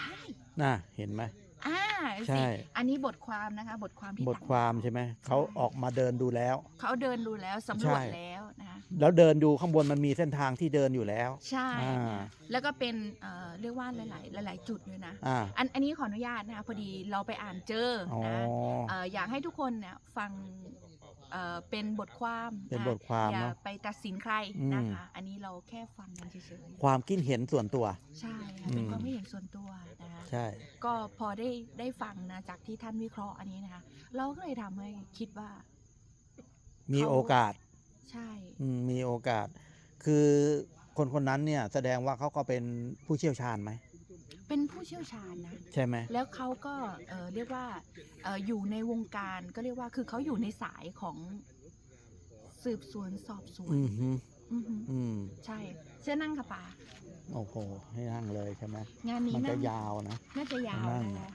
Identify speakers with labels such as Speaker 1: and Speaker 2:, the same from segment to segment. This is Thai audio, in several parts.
Speaker 1: ช่
Speaker 2: น่ะเห็นไหมใช่
Speaker 1: สิอันนี้บทความนะคะบทความที่
Speaker 2: บทความใช่ไหมเขาออกมาเดินดูแล้ว
Speaker 1: เขาเดินดูแล้วสำรวจแล้วนะคะ
Speaker 2: แล้วเดินดูข้างบนมันมีเส้นทางที่เดินอยู่แล้ว
Speaker 1: ใช่แล้วก็เป็นเรียกว่าหลายจุดเลยนะอันนี้ขออนุญาตนะคะพอดีเราไปอ่านเจอนะอยากให้ทุกคนเนี่ยฟังเป็นบทความอย่าไปตัดสินใครนะคะอันนี้เราแค่ฟังกันเฉยๆ
Speaker 2: ความคิดเห็นส่วนตัว
Speaker 1: ใช่เป็นความคิดเห็นส่วนตัวนะคะ
Speaker 2: ใช่
Speaker 1: ก็พอได้ฟังนะจากที่ท่านวิเคราะห์อันนี้นะคะเราก็เลยทำให้คิดว่า
Speaker 2: มีโอกาส
Speaker 1: ใช่
Speaker 2: มีโอกาสคือคนนั้นเนี่ยแสดงว่าเขาก็เป็นผู้เชี่ยวชาญไหม
Speaker 1: เป็นผู้เชี่ยวชาญนะ
Speaker 2: ใช่ไหม
Speaker 1: แล้วเขาก็เรียกว่าอยู่ในวงการก็เรียกว่าคือเขาอยู่ในสายของสืบสวนสอบสวนใช่เชื่อนั่งค่ะป่า
Speaker 2: โอ้โหให้นั่งเลยใช่ไหม
Speaker 1: งานนี้
Speaker 2: มันจะยาวนะ
Speaker 1: น่าจะยาวนะคะ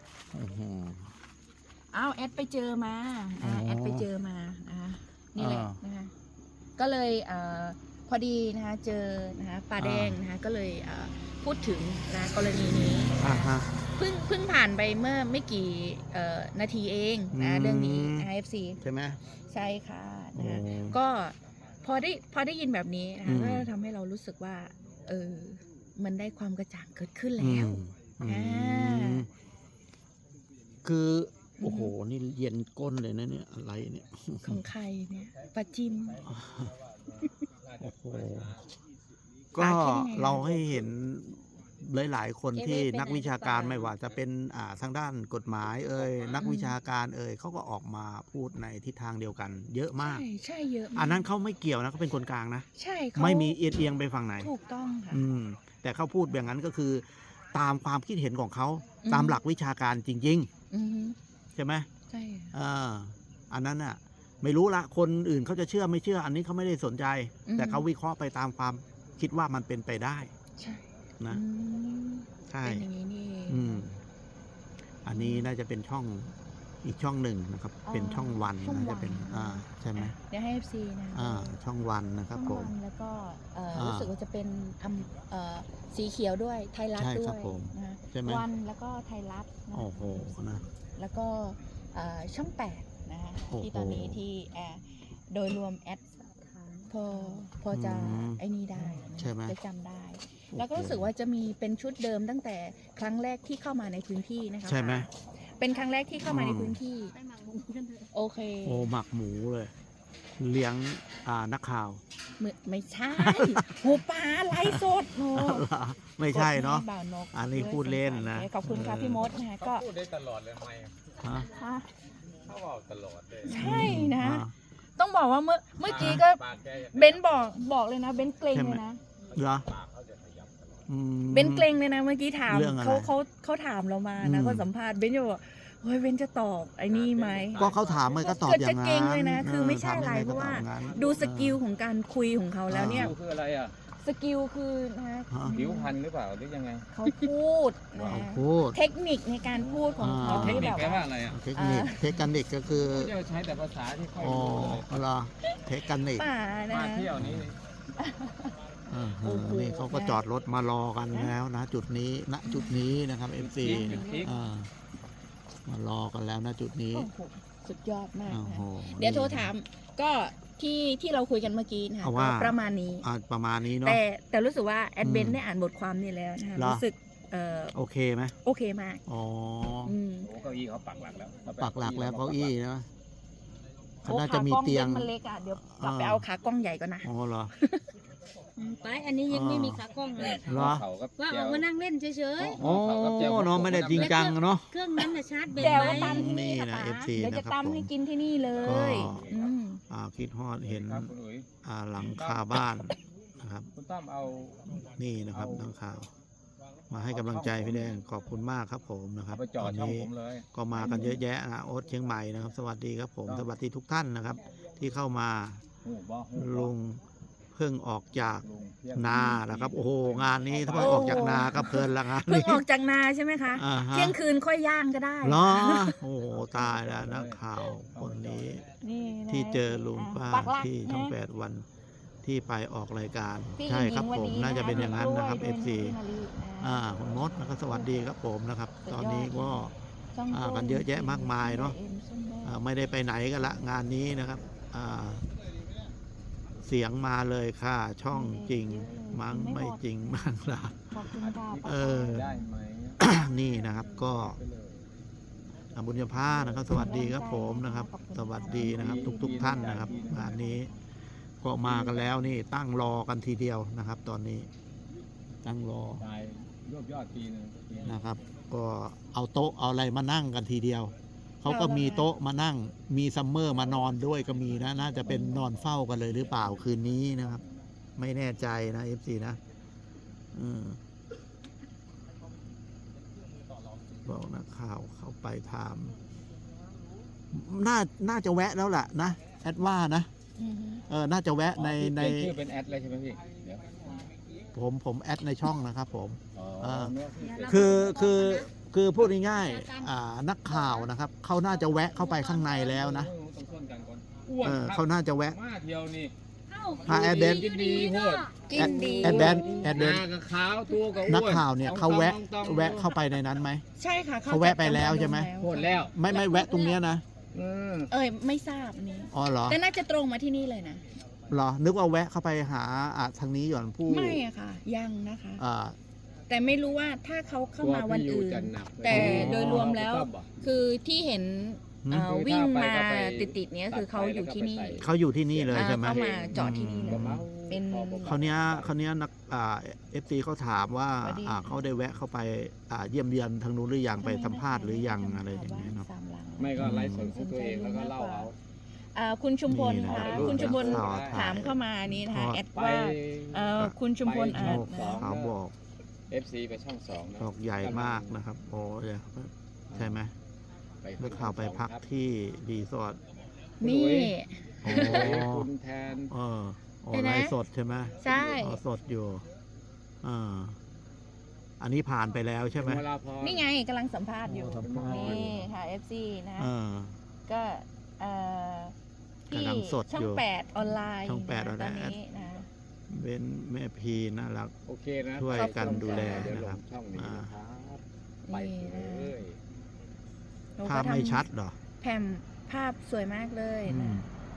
Speaker 1: อ้าวแอดไปเจอมาแอดไปเจอมานี่แหละนะคะก็เลยพอดีนะคะเจอนะคะป่าแดงนะคะก็เลยพูดถึงนะกรณีนี้เพิ่งผ่านไปเมื่อไม่กี่นาทีเองนะเรื่องนี้ IFC
Speaker 2: ใช่ไหม
Speaker 1: ใช่ค่ะนะก็พอได้ยินแบบนี้นะคะก็ทำให้เรารู้สึกว่ามันได้ความกระจ่างเกิดขึ้นแล้ว
Speaker 2: คือโอ้โหนี่เย็นก้นเลยนะเนี่ยอะไรเนี่ย
Speaker 1: ของใครเนี่ยปลาจิม
Speaker 2: โอ้โหก็เราให้เห็นหลายๆคนที่นักวิชาการไม่ว่าจะเป็นทางด้านกฎหมายนักวิชาการเขาก็ออกมาพูดในทิศทางเดียวกันเยอะมาก
Speaker 1: ใช่เยอะ
Speaker 2: อันนั้นเขาไม่เกี่ยวนะเขาเป็นคนกลางนะ
Speaker 1: ใช่
Speaker 2: ไม่มีเอียงไปฝั่งไหน
Speaker 1: ถูกต้องค่ะ
Speaker 2: แต่เขาพูดอย่างนั้นก็คือตามความคิดเห็นของเขาตามหลักวิชาการจริงๆใช่ไหม
Speaker 1: ใช่
Speaker 2: อันนั้นน่ะไม่รู้ละคนอื่นเขาจะเชื่อไม่เชื่ออันนี้เขาไม่ได้สนใจแต่เขาวิเคราะห์ไปตามความคิดว่ามันเป็นไปได้
Speaker 1: ใช่
Speaker 2: นะใช่
Speaker 1: เป็นอย่างนี้นี่
Speaker 2: อันนี้น่าจะเป็นช่องอีกช่องหนึ่งนะครับเป็นช่องวันน่าจะเป็นใช่ไหม
Speaker 1: เดี๋ยวให้ FC นะ
Speaker 2: ช่องวันนะครับผม
Speaker 1: แล้วก็รู้สึกว่าจะเป็นสีเขียวด้วยไทยรัฐด้วยนะวันแล้วก็ไทยรัฐ
Speaker 2: โอ้โหนะ
Speaker 1: แล้วก็ช่อง8นะคะที่ตอนนี้ที่โดยรวมแอดพอจะไอ้นี่ได้จะจำได้แล้วก็รู้สึกว่าจะมีเป็นชุดเดิมตั้งแต่ครั้งแรกที่เข้ามาในพื้นที่นะคะ
Speaker 2: ใช่ไหม
Speaker 1: เป็นครั้งแรกที่เข้ามาในพื้นที่โอเค
Speaker 2: โอ้หมักหมูเลยเลี้ยงนักข่าว
Speaker 1: ไม่ใช่หูปลาไล่สดโน
Speaker 2: ไม่ใช่เนาะอันนี้พูดเล่นนะ
Speaker 1: ขอบคุณครับพี่มดนะก็
Speaker 3: พูดได้ตลอดเลยไหมเขาบอกตลอดเลย
Speaker 1: ใช่นะต้องบอกว่าเมื่อกี้ก็เบนบอกเลยนะเบนเกรงเลยนะ
Speaker 2: เหรอ
Speaker 1: เบนเกรงเลยนะเมื่อกี้ถามเขาถามเรามานะเขาสัมภาษณ์เบนจะบอกเฮ้ยเบนจะตอบไอ้นี่ไหม
Speaker 2: ก็เขาถามเลยก็ตอบอย่างนั้น
Speaker 1: เก่งเลยนะคือไม่ใช่อะไรเพราะว่าดูสกิลของการคุยของเขาแล้วเนี่ย
Speaker 3: คืออะไร
Speaker 1: สกิลคือนะ
Speaker 3: ผิวพรรณหรือเปล่าหรือยังไง
Speaker 1: เขาพูดนะเทคนิคในการพูดของเขา
Speaker 3: เทคนิคแปลว่าอะไร
Speaker 2: เทคนิคก็คือ
Speaker 3: จะใช้แต่ภาษาที่ค่อย
Speaker 2: รู้เหรอเทคนิค
Speaker 3: มาเที่ยวนี้
Speaker 2: นี่เขาก็จอดรถมารอกันแล้วนะจุดนี้ณจุดนี้นะครับ FC มารอกันแล้วนะจุดนี้
Speaker 1: สุดยอดมากเดี๋ยวโทรถามก็ที่เราคุยกันเมื่อกี้นะคะก็ประมาณนี้
Speaker 2: เนาะ
Speaker 1: แต่รู้สึกว่าแอดเบนได้อ่านบทความนี้แล้วนะคะรู้สึก
Speaker 2: โอเคไหม
Speaker 1: โอเคมาก
Speaker 3: เก้าอี้เขาปักหลักแล้ว
Speaker 2: เก้าอี้นะน่าจะมีเตียง
Speaker 1: มันเล็กอ่ะเดี๋ยวกลับไปเอาขากล้องใหญ่ก่อนนะ
Speaker 2: อ๋อเหรอ
Speaker 4: ไปอันนี้ยังไม่มีขากล้องเลย
Speaker 2: ว่า
Speaker 4: ออกมานั่งเล่นเฉย
Speaker 2: ๆโอ้เนาะไม่ได้จริงจังเนาะ
Speaker 4: เครื่องนั้นชาร์จแบต
Speaker 1: ไว้
Speaker 2: นี่นะ FC
Speaker 1: เดี๋ยวจะตำให้กินที่นี่เลย
Speaker 2: คิดฮอดเห็นหลังคาบ้านนะครับนี่นะครับหลังคามาให้กำลังใจพี่แดงขอบคุณมากครับผมนะครับตอนนี้ก็มากันเยอะแยะนะโอ๊ตเชียงใหม่นะครับสวัสดีครับผมสวัสดีทุกท่านนะครับที่เข้ามาลุงเพิ่งออกจากนานะครับโอ้โหงานนี้ถ้าเพิ่งออกจากนาก็เพลินละงาน
Speaker 1: เพิ่งออกจากนาใช่ไหมคะเที่ยงคืนค่อยย่างก็ได้
Speaker 2: เหรอโอ้โหตายแล้วนักข่าวคนนี้ที่เจอลุงป้าที่ช่อง8 วันทที่ไปออกรายการ
Speaker 1: พี่
Speaker 2: ใช่ครับ
Speaker 1: หญิง
Speaker 2: ผ
Speaker 1: วั
Speaker 2: ม
Speaker 1: นนี้
Speaker 2: น่าจะเป็นอย่างนั้นนะครับ
Speaker 1: ด้วย
Speaker 2: FC
Speaker 1: พี่มารีนะ
Speaker 2: คุณมดนะครับสวัสดีครับผมนะครับ
Speaker 1: สุดยอด
Speaker 2: ตอนนี้ก็
Speaker 1: ช่องโจ้
Speaker 2: กันเยอะแยะมากมายเนอะ
Speaker 1: อ็มส้มแดง
Speaker 2: ไม่ได้ไปไหนกันละงานนี้นะครับเสียงมาเลยค่ะ ช่องจริงมั้งไม่จริงมั้งล่ะ
Speaker 1: ขอบคุณค่ะ
Speaker 2: เออ
Speaker 3: ได้ไหม
Speaker 2: นี่นะครับก็
Speaker 3: ไปเลย
Speaker 2: บุญญาภานะครับ สวัสดีครับผมนะครับ สวัสดีนะครับ ทุกท่านนะครับงานนี้ก็มากันแล้วนี่ตั้งรอกันทีเดียวนะครับ ตอนนี้ตั้งรอ
Speaker 3: ตายรวบยอดปีนึง
Speaker 2: นะครับ ก็เอาโต๊ะเอาอะไรมานั่งกันทีเดียวเขาก็มีโต๊ะมานั่งมีซัมเมอร์มานอนด้วยก็มีนะน่าจะเป็นนอนเฝ้ากันเลยหรือเปล่าคืนนี้นะครับ ไม่แน่ใจนะ FC นะบอกนักข่าวเข้าไปถามน่าจะแวะแล้วล่ะนะแอดว่านะ
Speaker 1: อือฮึ
Speaker 2: น่าจะแวะใน
Speaker 3: เปลี่ยนชื่อเป็นแอดเลยใช่ไหมพี่เดี๋ยว
Speaker 2: ผมแอดในช่องนะครับผม
Speaker 3: อ๋อ
Speaker 2: คือพูดง่ายๆนักข่าวนะครับเขาน่าจะแวะเข้าไปข้างในแล้วนะ
Speaker 3: ต้องชวนกันก่อนอ้วนครับ
Speaker 2: เขาน่าจะแวะ
Speaker 3: มาเที่ยวนี่
Speaker 2: พาแอดเบน
Speaker 3: กินดีโหด
Speaker 1: กินดี
Speaker 2: แอดเบน
Speaker 3: หน้ากับขาวตัวกับอ้วน
Speaker 2: นักข่าวเนี่ยเขาแวะ
Speaker 3: ต้อง
Speaker 2: แวะเข้าไปในนั้นไหม
Speaker 1: ใช่ค่ะ
Speaker 2: เขาแวะไปแล้วใช่ไหม
Speaker 3: โหดแล้ว
Speaker 2: ไม่แวะตรงเนี้ยนะ
Speaker 1: ไม่ทราบอันนี้
Speaker 2: อ๋อเหรอ
Speaker 1: แต่น่าจะตรงมาที่นี่เลยนะ
Speaker 2: เหรอนึกว่าแวะเข้าไปหาทางนี้ก่อนผู้
Speaker 1: ไม่อะค่ะ ยังนะคะ
Speaker 2: อ่า
Speaker 1: แต่ไม่รู้ว่าถ้าเขาเข้ามาวันอื่น
Speaker 3: กลัพี่ยู่จะหกเลย
Speaker 1: แต่โดยรวมแล้ว
Speaker 3: ชอบอ่ะ
Speaker 1: คือที่เห็น
Speaker 2: หืม
Speaker 1: วิ่งมา
Speaker 3: ถ้าไป
Speaker 1: ติดๆเนี้ยคือเขาอยู่ที่นี่
Speaker 2: เขาอยู่ที่นี่เลยใช่ไหม
Speaker 1: เข้ามาจอดที่นี่เลย เป็น
Speaker 2: เขาเนี้ยนักFC เขาถามว่า
Speaker 1: สวัสดี
Speaker 2: เขาได้แวะเข้าไปเยี่ยมเยียนทางนู้นหรือยังไปสัมภาษณ์หรือยังอะไรอย่างเงี้ยเนาะ
Speaker 1: สามหลัง
Speaker 3: ไม่ก็ไลฟ์สดของตัวเองแล้วก็เล่าเอา
Speaker 1: คุณชุมพล
Speaker 2: นี่นะ
Speaker 1: ค่ะ
Speaker 2: ครับ
Speaker 1: คุณชุมพล
Speaker 2: ข่าวถ่าย
Speaker 1: ถามเข้ามานี้นะคะ
Speaker 2: ทอด
Speaker 1: แอด
Speaker 3: ไป
Speaker 1: ว่าคุณชุมพลอ่าน
Speaker 3: ไปช่อง
Speaker 1: นะ
Speaker 2: เขาบอก
Speaker 3: FC ไปช่อง2นะ
Speaker 2: บอกใหญ่มากนะครับโอ้ยใช่ไหม
Speaker 3: ไป
Speaker 2: เมื่อข่าวไปพักที่รีสอร์ท
Speaker 1: นี่
Speaker 2: โอ้
Speaker 3: คุณแทน
Speaker 2: ไลฟ์สดใช่ไหม
Speaker 1: ใช่
Speaker 2: สดอยู่อันนี้ผ่านไปแล้วใช่ไหม
Speaker 3: เวลาพอ
Speaker 1: นี่ไงกำลังสัมภาษณ์อยู่
Speaker 2: สัมภาษณ์
Speaker 1: นี่ค่ะ FC นะ ก็ที่
Speaker 2: กำลังสด
Speaker 1: ช่อ
Speaker 2: อยู่
Speaker 1: ง8ออนไลน์
Speaker 2: ช่อง8
Speaker 1: นะ
Speaker 2: ออนไลน์
Speaker 1: ตอนนี้นะ
Speaker 2: เบ้นแม่พีน่ารัก
Speaker 3: โอเคนะ
Speaker 2: ช่วยกันดูแล
Speaker 3: เดี๋ยวล
Speaker 2: นะครับ
Speaker 3: งช่องนี้นะครับไปเลย
Speaker 1: หนู
Speaker 2: ภาพ
Speaker 1: ก็ทำ
Speaker 2: ไม่ชัดเหรอ
Speaker 1: แผ่นภาพสวยมากเลย
Speaker 2: อื
Speaker 1: นะ
Speaker 2: ม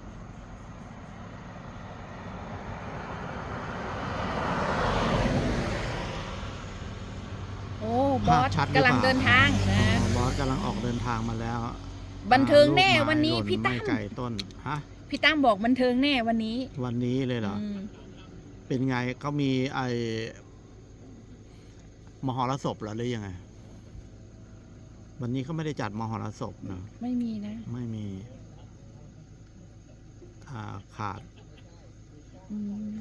Speaker 1: โอ้บ
Speaker 2: ภา
Speaker 1: อ
Speaker 2: พ
Speaker 1: ส
Speaker 2: ชัดหรือก
Speaker 1: ำลัง
Speaker 2: เปล่า
Speaker 1: เดินทางนะ
Speaker 2: บอสกำลังออกเดินทางมาแล้ว
Speaker 1: บันเทิงแน่
Speaker 2: ลูกไม้
Speaker 1: วันนี้
Speaker 2: หล่
Speaker 1: พี่ตั้
Speaker 2: ไม่
Speaker 1: ม
Speaker 2: ไก่ต้นฮะ
Speaker 1: พี่ตั้มบอกบันเทิงแน่วันนี้
Speaker 2: วันนี้เลยเหรอ
Speaker 1: อืม
Speaker 2: เป็นไงเขามีมหรสพเหรอหรือยังไง วันนี้เขาไม่ได้จัดมหรสพนะ
Speaker 1: ไม่มีนะ
Speaker 2: ไม่มีขาด
Speaker 1: อืม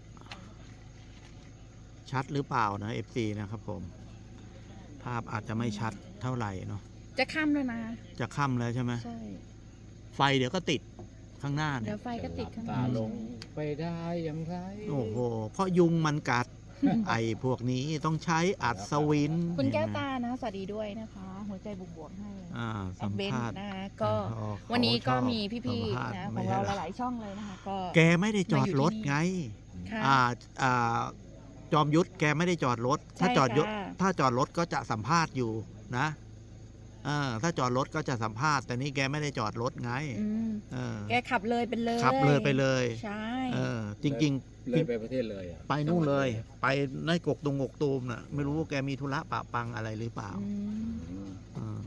Speaker 2: ชัดหรือเปล่านะ FC นะครับผม ภาพอาจจะไม่ชัดเท่าไหร่เนาะ
Speaker 1: จะค่ำแล้วนะ
Speaker 2: จะค่ำแล้วใช่ไหม
Speaker 1: ใช่
Speaker 2: ไฟเดี๋ยวก็ติดข้างหน้า
Speaker 1: เดี๋
Speaker 2: เนี่ย
Speaker 1: ยวไฟก็ติดข้างห
Speaker 3: ตา
Speaker 1: น้า
Speaker 3: ลงไปได้อย่างไร
Speaker 2: โอ้โห เพราะยุงมันกัด ไอ้พวกนี้ต้องใช้อัศวิน
Speaker 1: คุณแก้ว
Speaker 2: เห็นไหม
Speaker 1: ตานะ สวัสดีด้วยนะคะ หัวใจบวกๆให้
Speaker 2: สั
Speaker 1: แอ
Speaker 2: ม
Speaker 1: ดเบน
Speaker 2: ภาษณ์
Speaker 1: นะคะก็
Speaker 2: อ๋อ
Speaker 1: วันนี้ก็
Speaker 2: เขาชอบ
Speaker 1: มีพี่
Speaker 2: สัมภาษณ์
Speaker 1: ๆนะ
Speaker 2: ไม่
Speaker 1: ของ
Speaker 2: ใช่
Speaker 1: เรา
Speaker 2: เหรอ
Speaker 1: หลายๆช่องเลยนะคะ ก็
Speaker 2: แกไม่ได้จอดรถไง
Speaker 1: ค่ะ
Speaker 2: จอมยุทธแกไม่ได้จอดรถ ถ้า
Speaker 1: ใช่
Speaker 2: จอดยศ
Speaker 1: ค่ะ
Speaker 2: ถ้าจอดรถก็จะสัมภาษณ์อยู่นะถ้าจอดรถก็จะสัมภาษณ์ แต่นี่แกไม่ได้จอดรถไง
Speaker 1: อืม
Speaker 2: เออ
Speaker 1: แกขับเลยไปเลย
Speaker 2: ขับเลยไปเลย
Speaker 1: ใช่
Speaker 2: จริง
Speaker 3: เลยไปประเทศเลยอ่ะ
Speaker 2: ๆ ไปนู่นเลย ไปในกกตุงกกตูมน่ะ ไม่รู้ว่าแกมีธุระปะปังอะไรหรือเปล่า
Speaker 1: อืม
Speaker 2: อืม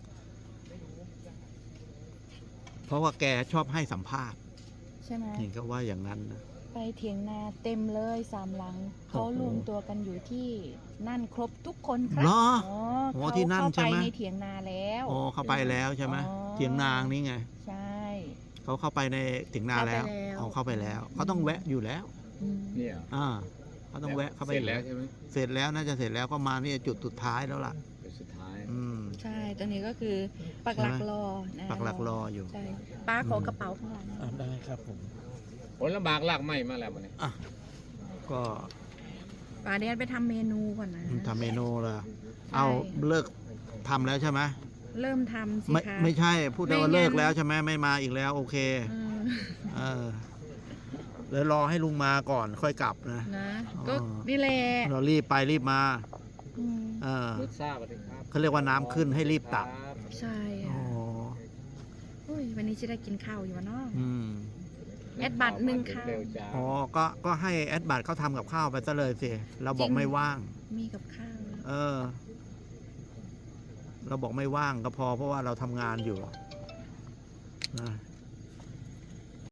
Speaker 2: เพราะว่าแกชอบให้สัมภาษณ์
Speaker 1: ใช่ไหม
Speaker 2: เห็นก็ว่าอย่างนั้นนะ
Speaker 1: ไปเถียงนาเต็มเลย3 หลัง เขารวมตัวกันอยู่ที่นั่นครบทุกคนครั
Speaker 2: เหรอ
Speaker 1: อ๋อ
Speaker 2: โอ้
Speaker 1: เขา
Speaker 2: ที่นั่น
Speaker 1: เข้า
Speaker 2: ใช่
Speaker 1: ไป
Speaker 2: ไหม
Speaker 1: ในเถียงนาแล้ว
Speaker 2: โอ้เข้าไปแล้วใช่ไหม
Speaker 1: อ๋อ
Speaker 2: เถียงนางนี่ไง
Speaker 1: ใช่
Speaker 2: เขาเข้าไปในเถียงนาแล้ว
Speaker 1: เข้าไปแล้ว
Speaker 2: เขาต้องแวะอยู่แล้ว
Speaker 1: อืม
Speaker 3: เนี่ย
Speaker 2: เขาต้องแวะเข้าไป
Speaker 3: เสร็จแล้วใช่ไหม
Speaker 2: เสร็จแล้วน่าจะเสร็จแล้วก็มานี่จุดสุดท้ายแล้วล่ะ
Speaker 3: เป็นสุดท้าย
Speaker 2: อืม
Speaker 1: ใช่ ตอนนี้ก็คือปักหลักรอนะ
Speaker 2: ปักหลักรออยู่
Speaker 1: ใช่ป้าขอกระเป๋าข้างหลัง
Speaker 2: ได้ครับผม
Speaker 3: ผลลำบากลากไหมมาแล้วมันเนี่ย
Speaker 2: ก็
Speaker 1: ป้าเดี๋ยวไปทำเมนูก่อนนะ
Speaker 2: ทำเมนูละ
Speaker 1: ใช่
Speaker 2: เอาเลิกทำแล้วใช่ไหม
Speaker 1: เริ่มทำสิ
Speaker 2: ไม่
Speaker 1: คะ
Speaker 2: ไม่ใช่พูดได้ว่า
Speaker 1: ไม่งั้น
Speaker 2: เลิกแล้วใช่ไหมไม่มาอีกแล้วโอเค
Speaker 1: เออ
Speaker 2: เออแล้วรอให้ลุงมาก่อนค่อยกลับนะ
Speaker 1: นะ
Speaker 2: อ๋อ
Speaker 1: ก็นี่แหละ
Speaker 2: เรารีบไปรีบมา
Speaker 1: อืม
Speaker 3: รถทราบอะไรครับ
Speaker 2: เขาเรียกว่าน้ำขึ้นให้รีบตัก
Speaker 1: ใช่
Speaker 2: อ๋อ
Speaker 1: ค่ะโอ้ยวันนี้จะได้กินข้าวอยู่วะเนาะ
Speaker 2: อืม
Speaker 1: แอดบัตรหนึ่งค่ะ
Speaker 3: เร็วจ้า
Speaker 2: อ๋อก็ให้แอดบัตรเขาทำกับข้าวไปซะเลยสิเราบอก
Speaker 1: จริง
Speaker 2: ไม่ว่าง
Speaker 1: มีกับข้าวแล้ว
Speaker 2: เออ เราบอกไม่ว่างก็พอเพราะว่าเราทำงานอยู่นะ